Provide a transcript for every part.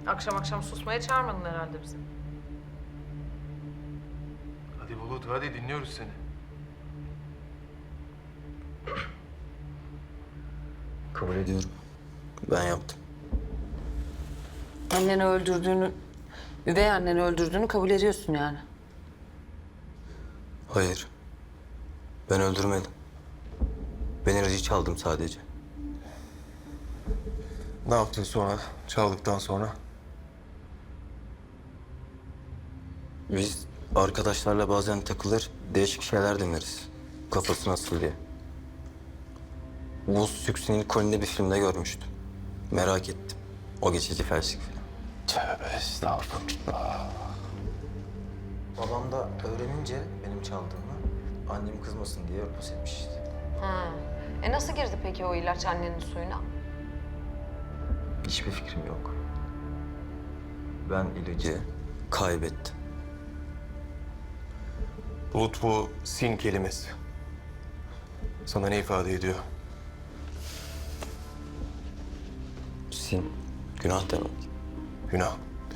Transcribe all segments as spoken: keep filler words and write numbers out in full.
Akşam akşam susmaya çağırmadın herhalde bizi. Hadi Bulut, hadi dinliyoruz seni. Kabul ediyorum. Ben yaptım. Anneni öldürdüğünü, üvey anneni öldürdüğünü kabul ediyorsun yani. Hayır. Ben öldürmedim. Ben ilacı çaldım sadece. Ne yaptın sonra, çaldıktan sonra? Biz arkadaşlarla bazen takılır, değişik şeyler deneriz. Kafası nasıl diye. Bu Süksü'nün Colin'de bir filmde görmüştüm. Merak ettim. O geçici felçlik falan. Tövbe estağfurullah. Babam da öğrenince benim çaldığımı annem kızmasın diye örtbas etmiş işte. Ha. E nasıl girdi peki o ilaç annenin suyuna? Hiçbir fikrim yok. Ben ilacı kaybettim. Bulut, bu sin kelimesi sana ne ifade ediyor? Sin, günah demek. Günah.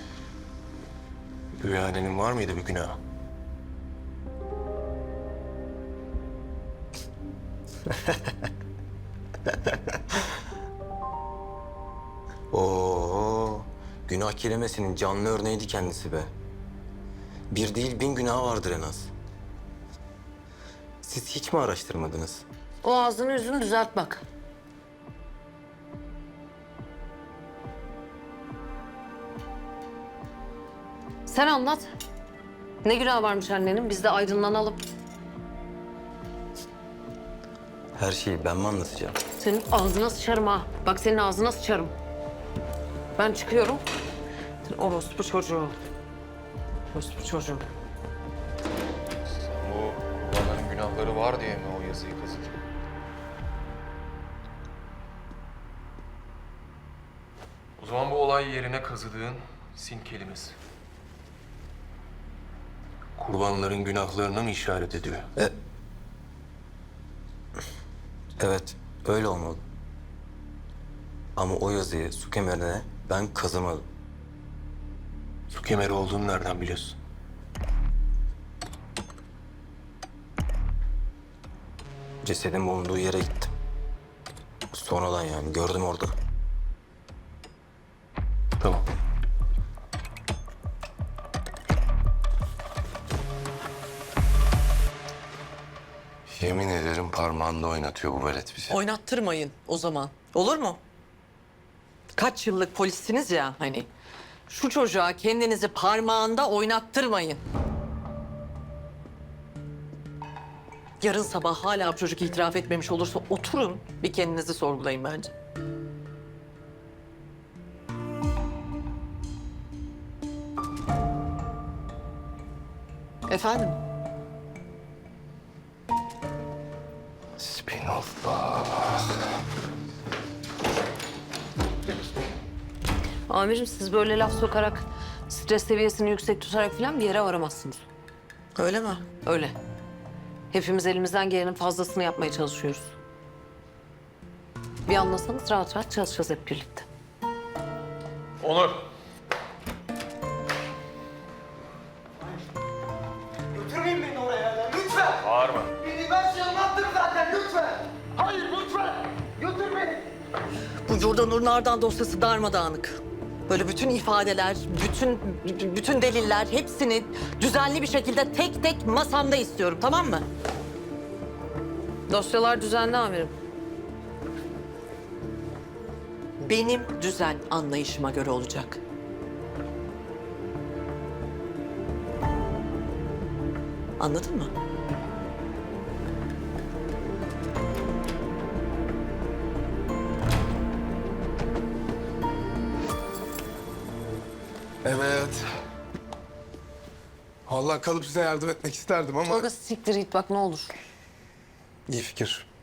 Üvey annenin var mıydı bir günah? Oo, günah kelimesinin canlı örneğiydi kendisi be. Bir değil bin günah vardır en az. Siz hiç mi araştırmadınız? O ağzını yüzünü düzelt bak. Sen anlat. Ne günah varmış annenin? Biz de aydınlanalım. Her şeyi ben mi anlatacağım? Senin ağzına sıçarım ha. Bak senin ağzına sıçarım. Ben çıkıyorum. Sen orospu çocuğu. Orospu çocuğu. Bu babanın günahları var diye mi o yazıyı kazıdın? O zaman bu olay yerine kazıdığın sin kelimesi kurbanların günahlarına mı işaret ediyor? E... Evet, öyle olmalı. Ama o yazıyı su kemerine ben kazımadım. Su kemeri olduğunu nereden biliyorsun? Cesedin bulunduğu yere gittim. Sonradan yani gördüm orada. Tamam. Yemin ederim parmağında oynatıyor bu velet bizi. Oynattırmayın o zaman. Olur mu? Kaç yıllık polissiniz ya hani. Şu çocuğa kendinizi parmağında oynattırmayın. Yarın sabah hala bu çocuk itiraf etmemiş olursa oturun bir kendinizi sorgulayın bence. Efendim? Spinallah. Amirim siz böyle laf sokarak, stres seviyesini yüksek tutarak falan bir yere varamazsınız. Öyle mi? Öyle. Hepimiz elimizden gelenin fazlasını yapmaya çalışıyoruz. Bir anlasanız rahat rahat çalışacağız hep birlikte. Onur. Götürmeyin beni oraya ya, lütfen. Bağırma. Beni ben şırmattım zaten, lütfen. Hayır, lütfen. Götür beni. Bu Jordan Nur Nardan dosyası darmadağınık. Böyle bütün ifadeler, bütün bütün deliller hepsini düzenli bir şekilde tek tek masamda istiyorum, tamam mı? Dosyalar düzenli amirim. Benim düzen anlayışıma göre olacak. Anladın mı? Evet. Vallahi kalıp size yardım etmek isterdim ama Tolga siktir git bak ne olur. iyi fikir.